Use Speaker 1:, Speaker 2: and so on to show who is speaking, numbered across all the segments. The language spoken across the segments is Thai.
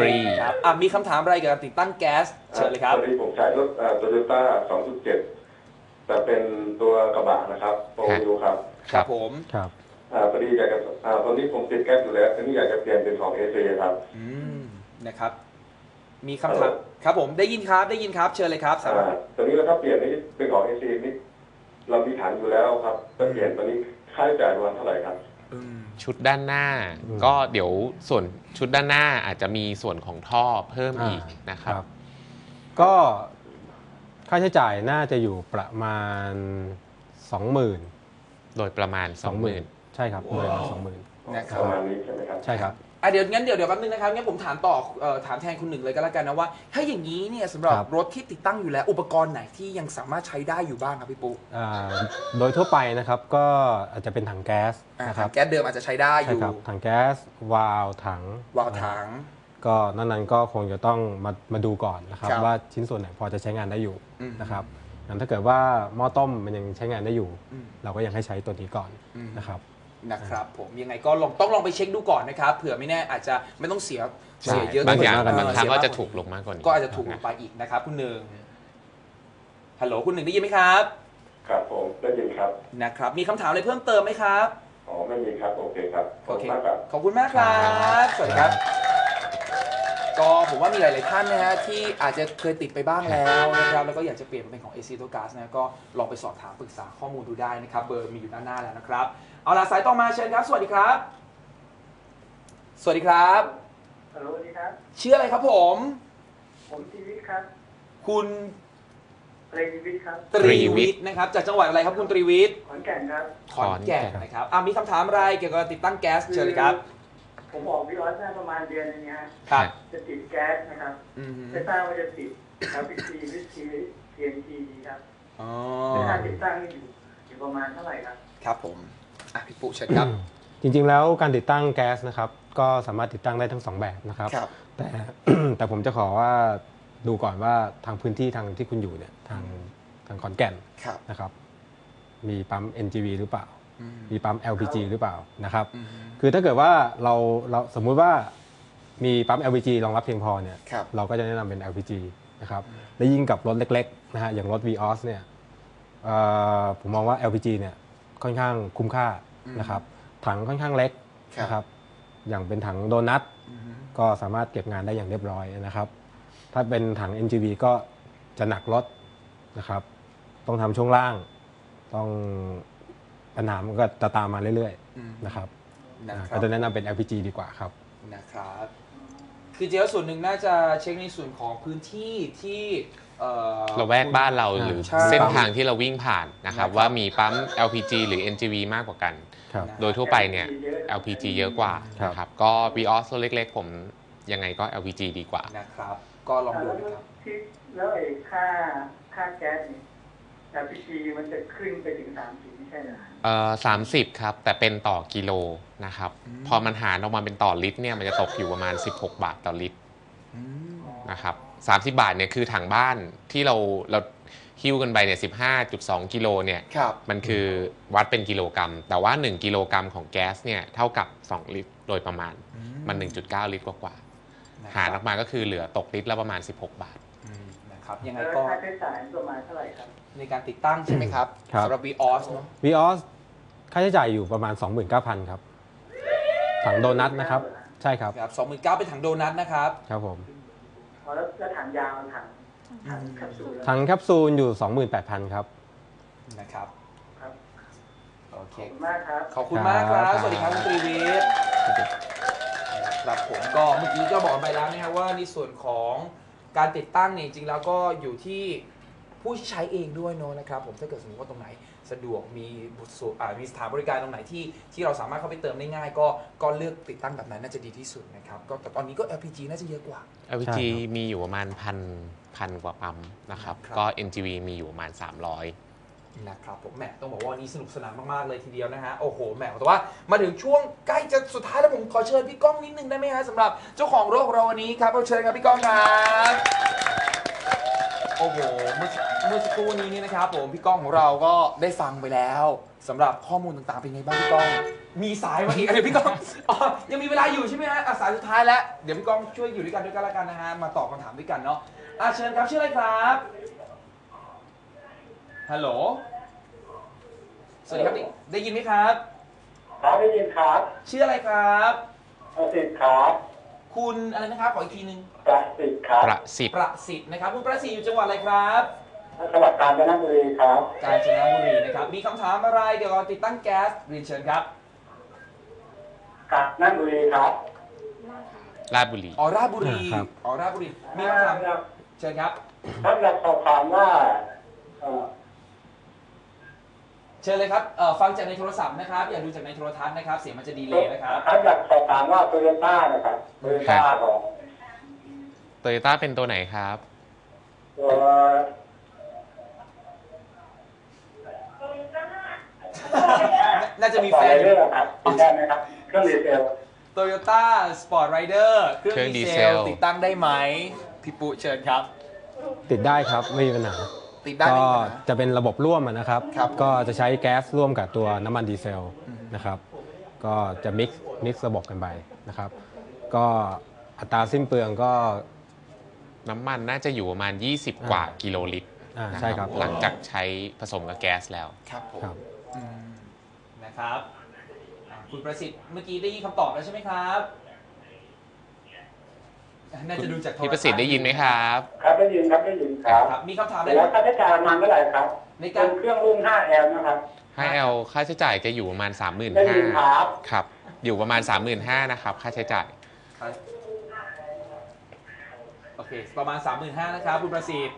Speaker 1: รี
Speaker 2: ครับมีคำถามอะไรเกี่ยวกับติดตั้งแก๊สเชิญเลยครับ
Speaker 3: ตอนนี้ผมใช้รถโตโยต้า 2.7 แต่เป็นตัวกระบะนะครับโฟร์วิวครับ
Speaker 2: ครับผม
Speaker 4: ครับ
Speaker 3: พอดีอยากจะตอนนี้ผมติดแก๊สอยู่แล้วทีนี้อยากจะเปลี่ยนเป็นของ AC ครับ
Speaker 2: นะครับมีคำถามครับผมได้ยินครับเชิญเลยครับ
Speaker 3: ตอนนี้แล้วก็เปลี่ยนนี่เป็นของ AC นี่เรามีฐานอยู่แล้วครับจะเปลี่ยนตอนนี้ค่าใช้จ่ายประมาณเท่าไหร่ครับ
Speaker 1: ชุดด้านหน้าก็เดี๋ยวส่วนชุดด้านหน้าอาจจะมีส่วนของท่อเพิ่มอีกนะครับ
Speaker 4: ก็ค่าใช้จ่ายน่าจะอยู่ประมาณ 20,000
Speaker 1: โดยประมาณ 20,000
Speaker 4: ใช่ครับโดยประมาณ 20,000
Speaker 2: นะครับ
Speaker 3: ประมาณนี้ใช่ไหมครับ
Speaker 4: ใช่ครับ
Speaker 2: เดี๋ยวแป๊บนึงนะครับงั้นผมถามต่อถามแทนคุณหนึ่งเลยก็แล้วกันนะว่าถ้าอย่างนี้เนี่ยสำหรับรถที่ติดตั้งอยู่แล้วอุปกรณ์ไหนที่ยังสามารถใช้ได้อยู่บ้างครับพี่ปุ๊
Speaker 4: โดยทั่วไปนะครับก็อาจจะเป็นถังแก๊สนะครับ
Speaker 2: แก๊สเดิมอาจจะใช้ได้อยู่
Speaker 4: ถังแก๊สวาล์วถังก็นั้นก็คงจะต้องมาดูก่อนนะครับว่าชิ้นส่วนไหนพอจะใช้งานได้อยู่นะครับงั้นถ้าเกิดว่าหม้อต้มมันยังใช้งานได้อยู่เราก็ยังให้ใช้ตัวนี้ก่อน
Speaker 2: นะครับผมยังไงก็ต้องลองไปเช็คดูก่อนนะครับเผื่อไม่แน่อาจจะไม่ต้องเสียเยอะ
Speaker 1: บางอย่างบางครั้งก็จะถูกลงมากกว่านี้
Speaker 2: ก็อาจจะถูกลงไปอีกนะครับคุณหนึ่งฮัลโหลคุณหนึ่งได้ยินไหมครับ
Speaker 3: ครับผมได้ยินครับ
Speaker 2: นะครับมีคำถามอะไรเพิ่มเติมไหมครับ
Speaker 3: ไม่มีครับโอเคครับ
Speaker 2: ขอบคุณมากครับขอบคุณมากครับสวัสดีครับก็ผมว่ามีหลายๆท่านนะฮะที่อาจจะเคยติดไปบ้างแล้วนะครับแล้วก็อยากจะเปลี่ยนเป็นของ AC Auto Gas นะก็ลองไปสอบถามปรึกษาข้อมูลดูได้นะครับเบอร์มีอยู่ด้านหน้าแล้วนะครับเอาล่ะสายต่อมาเชิญครับสวัสดีครับสวัสดีครับ
Speaker 5: ฮัลโหลสวัสดีครับ
Speaker 2: ชื่ออะไรครับผม
Speaker 5: ตรีวิทย์ครับ
Speaker 2: คุณ
Speaker 5: ตรีวิทย์ครับ
Speaker 2: ตรีวิทย์นะครับจากจังหวัดอะไรครับคุณตรีวิทย์
Speaker 5: ขอนแก่นครับ
Speaker 2: ขอนแก่นนะครับมีคำถามอะไรเกี่ยวกับติดตั้งแก๊สเชิญเลยครับ
Speaker 5: ผมออกวิออสได้ประมาณเดือนนึงนะ
Speaker 2: ครับ
Speaker 5: จะติดแก๊สนะครับไม่ทราบว่าจะติด LPG หรือ TNT ดีครับค่าติดตั้งอยู่ประมาณเท่าไหร่ครับ
Speaker 2: ครับผมพี่ปุ๊เชิญครับ
Speaker 4: จริงๆแล้วการติดตั้งแก๊สนะครับก็สามารถติดตั้งได้ทั้ง2แบบนะครับแต่ผมจะขอว่าดูก่อนว่าทางพื้นที่ทางที่คุณอยู่เนี่ยทางขอนแก่นนะครับมีปั๊ม NGV หรือเปล่ามีปั๊ม LPG หรือเปล่านะครับคือถ้าเกิดว่าเราสมมุติว่ามีปั๊ม LPG รองรับเพียงพอเนี่ยเราก็จะแนะนำเป็น LPG นะครับและยิ่งกับรถเล็กๆนะฮะอย่างรถ Vios เนี่ยผมมองว่า LPG เนี่ยค่อนข้างคุ้มค่านะครับถังค่อนข้างเล็กนะครับอย่างเป็นถังโดนัทก็สามารถเก็บงานได้อย่างเรียบร้อยนะครับถ้าเป็นถัง NGV ก็จะหนักรถนะครับต้องทำช่วงล่างต้องปัญหามันก็จะตามมาเรื่อยๆนะครับก็จะแนะนำเป็น LPG ดีกว่าครับ
Speaker 2: นะครับคือเจ้าส่วนหนึ่งน่าจะเช็คในส่วนของพื้นที่ที่
Speaker 1: เราแวกบ้านเราหรือเส้นทางที่เราวิ่งผ่านนะครับว่ามีปั๊ม LPG หรือ NGV มากกว่ากันโดยทั่วไปเนี่ย LPG เยอะกว่านะครับก็ Vios รถเล็กๆผมยังไงก็ LPG ดีกว่า
Speaker 2: นะครับก็ลองดูนะครับ
Speaker 5: แล้วไอ้ค่าแก๊สนี่ LPG มันจะขึ้นไปถึง30ไม่ใช่เหรอ
Speaker 1: 30ครับแต่เป็นต่อกิโลนะครับพอมันหารออกมาเป็นต่อลิตรเนี่ยมันจะตกอยู่ประมาณ16 บาทต่อลิตรนะครับ30 บาทเนี่ยคือถังบ้านที่เราหิ้วกันไปเนี่ย 15.2 กิโลเนี่ยมันคือวัดเป็นกิโลกรัมแต่ว่า1กิโลกรัมของแก๊สเนี่ยเท่ากับ2ลิตรโดยประมาณมัน 1.9 ลิตรกว่าหารออกมาก็คือเหลือตกลิตรละประมาณ16 บาท
Speaker 2: นะครับยังไงก็
Speaker 5: ค่าใช้จ่ายประมาณเท่าไหร่ครับ
Speaker 2: ในการติดตั้งใช่ไหมครับสำหรับ Vios เนาะ
Speaker 4: Vios ค่าใช้จ่ายอยู่ประมาณ 29,000 ครับถังโดนัทนะครับใช่ครับ
Speaker 2: 29,000เป็นถังโดนัทนะครับ
Speaker 4: ครับผม
Speaker 5: แล้วถังยาวถังแคป
Speaker 4: ซูลอยู่ 28,000 ครับ
Speaker 2: นะครับโอเค
Speaker 5: ขอบคุณมาก
Speaker 2: ครับสวัสดีครับคุณตรีวิทย์ครับผมก็เมื่อกี้ก็บอกไปแล้วนะครับว่าในส่วนของการติดตั้งเนี่ยจริงๆแล้วก็อยู่ที่ผู้ใช้เองด้วยเนาะนะครับผมถ้าเกิดสมมติว่าตรงไหนสะดวกมีสถานบริการตรงไหนที่เราสามารถเข้าไปเติมได้ง่ายก็เลือกติดตั้งแบบนั้นน่าจะดีที่สุดนะครับก็แต่ตอนนี้ก็ LPG น่าจะเยอะกว่า
Speaker 1: LPG มีอยู่ประมาณพันกว่าปั๊มนะครับก็ NGV มีอยู่ประมาณ300
Speaker 2: นะครับผมแหมต้องบอกว่าวันนี้สนุกสนานมากๆเลยทีเดียวนะฮะโอ้โหแหมแต่ว่ามาถึงช่วงใกล้จะสุดท้ายแล้วผมขอเชิญพี่ก้องนิดนึงได้ไหมฮะสำหรับเจ้าของรถของเราวันนี้ครับเชิญครับพี่ก้องครับโอ้โหเมื่อสักครู่นี้นี่นะครับผมพี่ก้องของเราก็ได้ฟังไปแล้วสำหรับข้อมูลต่างๆเป็นไงบ้างพี่ก้องมีสายมาอีกเดี๋ยวพี่ก้องอ๋อยังมีเวลาอยู่ใช่ไหมฮะสายสุดท้ายแล้วเดี๋ยวพี่ก้องช่วยอยู่ด้วยกันแล้วกันนะฮะมาตอบคำถามด้วยกันเนาะเชิญครับชื่ออะไรครับฮัลโหลสวัสดีครับได้ยินไหมครับ
Speaker 5: ครับได้ยินครับ
Speaker 2: ชื่ออะไรครับ
Speaker 5: ประสิทธิ์ครับ
Speaker 2: คุณอะไรนะครับขออีกทีนึง
Speaker 5: ประสิทธิ์ครับ
Speaker 1: ประสิทธิ์
Speaker 2: ประสิทธิ์นะครับคุณประสิทธิ์อยู่จังหวัดอะไรครับ
Speaker 5: จังหวัดกาญจนบุรีครับ
Speaker 2: กาญจนบุรีนะครับมีคำถามอะไรเกี่ยวกับติดตั้งแก๊สเรียนเชิญครับ
Speaker 5: กาญจนบุรีครับ
Speaker 1: ราชบุรี
Speaker 2: อ๋อราชบุรี
Speaker 4: ครับ
Speaker 2: อ๋อราชบุรีมีคำถามเชิญครับ
Speaker 5: ท่านอยากสอบถามว่า
Speaker 2: เชิญเลยครับฟังจากในโทรศัพท์นะครับอย่าดูจากในโทรทัศน์นะครับเสียงมันจะดีเลย์นะครับ
Speaker 5: ท่านอยากสอบถามว่าโตโยต้านะครับโตโยต้าของ
Speaker 1: โตโยต้าเป็นตัวไหนครับ
Speaker 5: ตัว
Speaker 2: น่าจะมี
Speaker 5: ต่อ
Speaker 2: แฟ
Speaker 5: ไร
Speaker 2: นอ
Speaker 5: เรื่
Speaker 2: ยู่
Speaker 5: องครับติดได้ไหมครับ เครื่องดีเซล
Speaker 2: Toyota Sport Rider เครื่อง
Speaker 1: เครื่อง
Speaker 2: ดี
Speaker 1: ดี
Speaker 2: เซ
Speaker 1: เซ
Speaker 2: ล
Speaker 1: ล
Speaker 2: ติดตั้งได้ไหมพี่ปุ๊เชิญครับ
Speaker 4: ติดได้ครับไม่มีปัญหา
Speaker 2: ติดได้
Speaker 4: ก็
Speaker 2: ไหมครับ
Speaker 4: จะเป็นระบบร่วมนะครับ
Speaker 2: ครับ
Speaker 4: ก็จะใช้แก๊สร่วมกับตัวน้ำมันดีเซลนะครับ ก็จะมิกซ์ระบบกันไปนะครับ ก็อัตราสิ้นเปลืองก็
Speaker 1: น้ำมันน่าจะอยู่ประมาณ 20 กว่ากิโลลิตรนะ
Speaker 4: ใช่ครับ
Speaker 1: หลังจากใช้ผสมกับแก๊สแล้ว
Speaker 2: ครับผม
Speaker 4: ครับ
Speaker 2: นะครับคุณประสิทธิ์เมื่อกี้ได้ยินคำตอบแล้วใช่ไหมครับน่าจะดูจากโท
Speaker 1: พี่ประสิทธิ์ได้ยินไหมครับ
Speaker 5: ครับได้ยินครับได้ยินครับ
Speaker 2: ครับมีคำถามอะไร
Speaker 5: แล้วค่าใช้จ่ายประมาณเท่าไหร่ครับ
Speaker 2: ใน
Speaker 5: เป็
Speaker 2: การ
Speaker 5: นเครื่องรุ่น 5L นะครับ
Speaker 1: ให้เอาค่าใช้จ่ายจะอยู่ประมาณ
Speaker 5: ได้ยินครับ
Speaker 1: 35,000ครับ อยู่ประมาณ 35,000นะครับ ค่าใช้จ่าย
Speaker 2: โอเคประมาณ 35,000นะครับคุณประสิทธิ์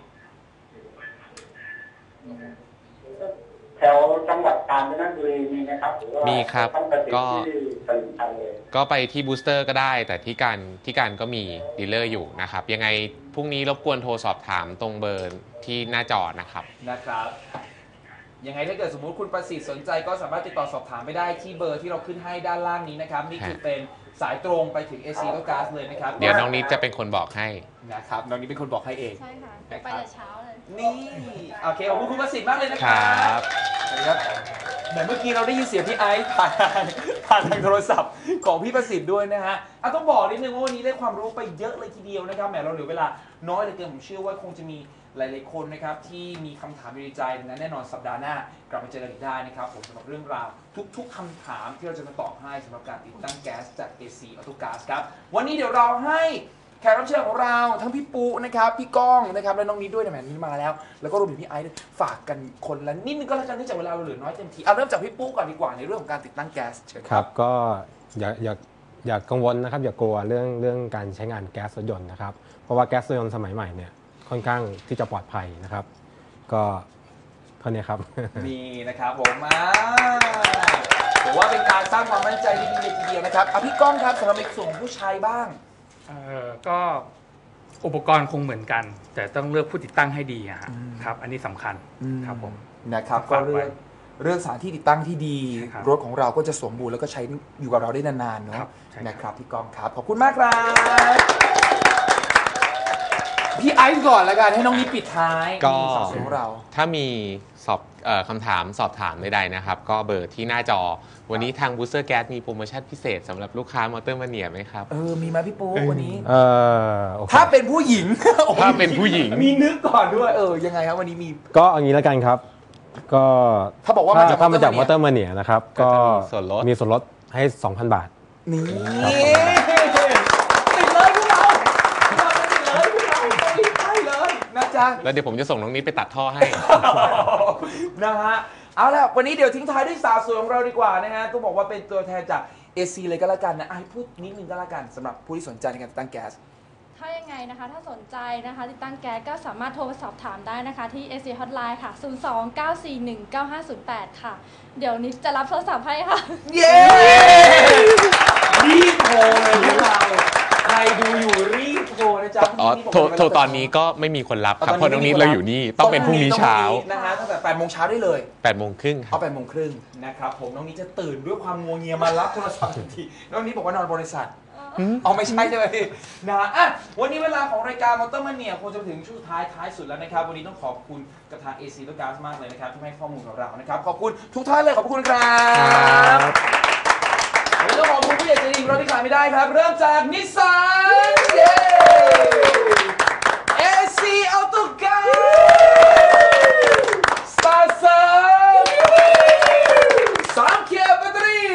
Speaker 5: แถวจังหวัดกาญจนบุรีมีไหมครับหรือว่า
Speaker 1: มีครับ
Speaker 5: ต้องไปติด
Speaker 1: ก็
Speaker 5: ที่ตลิ่งชันเลย
Speaker 1: ก็ไปที่บูสเตอร์ก็ได้ แต่ที่การก็มีดีลเลอร์อยู่นะครับ ยังไงพรุ่งนี้รบกวนโทรสอบถามตรงเบอร์ที่หน้าจอนะครับ
Speaker 2: นะครับยังไงถ้าเกิดสมมุติคุณประสิทธิ์สนใจก็สามารถติดต่อสอบถามไปได้ที่เบอร์ที่เราขึ้นให้ด้านล่างนี้นะครับนี่คือเป็นสายตรงไปถึง AC แล้วก๊าซเลยนะครับ
Speaker 1: เดี๋ยวน้องนิดจะเป็นคนบอกให้
Speaker 2: นะครับน้องนิดเป็นคนบอกให้เอง
Speaker 6: ใช่ค่ะ ไปแต่เช้าเลย
Speaker 2: นี่โอเคขอบคุณคุณประสิทธิ์มากเลยนะค
Speaker 1: ค
Speaker 2: รั
Speaker 1: รับ
Speaker 2: สวัสดีครับแต่เมื่อกี้เราได้ยินเสียงพี่ไอซ์ผ่านทางโทรศัพท์ของพี่ประสิทธิ์ด้วยนะฮะต้องบอกนิดนึงว่าวันนี้ได้ความรู้ไปเยอะเลยทีเดียวนะครับแหมเราเหลือเวลาน้อยเหลือเกินผมเชื่อว่าคงจะมีหลายๆคนนะครับที่มีคำถามอยู่ในใจนั้นแน่นอนสัปดาห์หน้ากลับมาเจอกันอีกได้นะครับผมสำหรับเรื่องราวทุกๆคำถามที่เราจะมาตอบให้สำหรับการติดตั้งแก๊สจาก AC Auto Gas ครับวันนี้เดี๋ยวเราให้แขกรับเชิญของเราทั้งพี่ปุ๊นะครับพี่ก้องนะครับและน้องนิดด้วยนะแหมนี่มาแล้วแล้วก็รวมถึงพี่ไอซ์ด้วยฝากกันคนละนิดนึงก็แล้วกันเนื่องจากเวลาเราเหลือน้อยเต็มทีเริ่มจากพี่ปุ๊ก่อนดีกว่าในเรื่องของการติดตั้งแก๊สเชิญ
Speaker 4: ครับก็อย่ากังวลนะครับอย่ากลัวเรื่องการใช้งานแก๊สรถยนต์นะครับเพราะว่าแก๊สรถยนต์สมัยใหม่เนี่ยค่อนข้างที่จะปลอดภัยนะครับ ก็เท่านี้ครับ
Speaker 2: นี่นะครับผมผมว่าเป็นการสร้างความมั่นใจที่ดีเลยทีเดียวนะครับพี่ก้องครับสำหรับในส่วนของผู้ชายบ้าง
Speaker 7: ก็อุปกรณ์คงเหมือนกัน แต่ต้องเลือกผู้ติดตั้งให้ดีอะฮะครับ อันนี้สำคัญครับผม
Speaker 2: นะครับก็
Speaker 7: ฝากไว้
Speaker 2: เรื่องสถานที่ติดตั้งที่ดี
Speaker 7: ครับ
Speaker 2: รถของเราก็จะสมบูรณ์แล้วก็ใช้อยู่กับเราได้นานๆเนาะ
Speaker 7: ครับใช่ครับ
Speaker 2: นะครับพี่ก้องครับขอบคุณมากครับพี่ไอซ์ก่อนแล้วกันให้น้องนิดปิดท้าย
Speaker 1: ก็
Speaker 2: นี่สาวสวยของเรา
Speaker 1: ถ้ามีคำถามสอบถามใดๆนะครับ ก็เบอร์ที่หน้าจอ วันนี้ทาง Booster Gas มีโปรโมชั่นพิเศษสำหรับลูกค้ามอเตอร์มาเนียไหมครับ
Speaker 2: มีไหมพี่ปูวันนี้
Speaker 4: โอเค
Speaker 2: ถ้าเป็นผู้หญิง
Speaker 1: ถ้าเป็นผู้หญิง
Speaker 2: มีนึกก่อนด้วยยังไงครับวันนี้มี
Speaker 4: ก็เอางี้แล้วกันครับ ก็
Speaker 2: ถ้าบอกว่ามาจาก
Speaker 4: ถ้ามาจากมอ
Speaker 2: Motor
Speaker 4: เตอร์มาเนียนะครับ
Speaker 1: ก็
Speaker 4: ก็
Speaker 1: จะมีส่วนลด
Speaker 4: มีส่วนลดให้ 2,000 บาท
Speaker 2: นี่
Speaker 4: ครับผม
Speaker 2: ติดเลยพวกเราติดเลยพวกเราไปเลยนะจ๊ะ
Speaker 1: แล้วเดี๋ยวผมจะส่งน้องนิดไปตัดท่อให้
Speaker 2: นะฮะเอาล่ะวันนี้เดี๋ยวทิ้งท้ายด้วยสาวสวยของเราดีกว่านะฮะต้องบอกว่าเป็นตัวแทนจาก AC เลยก็แล้วกันนะให้พูดนิดนึงก็แล้วกันสำหรับผู้ที่สนใจในการติดตั้งแก๊ส
Speaker 6: ถ้ายังไงนะคะ ถ้าสนใจนะคะติดตั้งแก๊สก็สามารถโทรมาสอบถามได้นะคะที่ AC Hotline ค่ะ 029419508 ค่ะ เดี๋ยวนี้จะรับโทรศัพท์ให้ค่ะ
Speaker 2: เย้รีบโทรเลยพวกเราใครดูอยู่รีบโทรนะจ๊ะ
Speaker 1: อ๋อโทรตอนนี้ก็ไม่มีคนรับครับเพราะน้องนิดเราอยู่นี่ต้องเป็นพรุ่งนี้เช้า
Speaker 2: นะฮะตั้งแต่8 โมงเช้าได้เลย
Speaker 1: 8 โมงครึ่งครับ
Speaker 2: 8 โมงครึ่งนะครับผมน้องนี้จะตื่นด้วยความงัวเงียมารับโทรศัพท์ทันทีน้องนี้บอกว่านอนบริษัทเอาไม่ใช่ใช่ไหมพี่นะอ่ะวันนี้เวลาของรายการมอเตอร์มันเนี่ยคงจะมาถึงช่วงท้ายสุดแล้วนะครับวันนี้ต้องขอบคุณกับทาง AC และ GAS มากเลยนะครับที่ให้ข้อมูลกับเรานะครับขอบคุณทุกท่านเลยขอบคุณครับวันนี้ต้องขอบคุณผู้ใหญ่ใจดีของเราที่ขาดไม่ได้ครับเริ่มจากนิสสันเย้ AC Auto GAS สตาร์เซอร์3 เกียร์แบตเตอรี่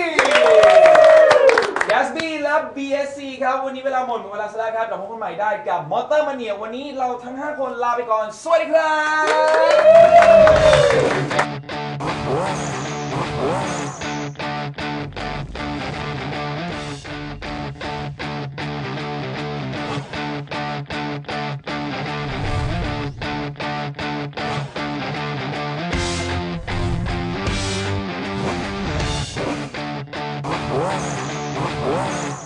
Speaker 2: GASB และ BSC ครับวันนี้เวลาหมดเวลาแล้วครับเราพบกันใหม่ได้กับมอเตอร์มาเนียวันนี้เราทั้ง5คนลาไปก่อนสวัสดีครับ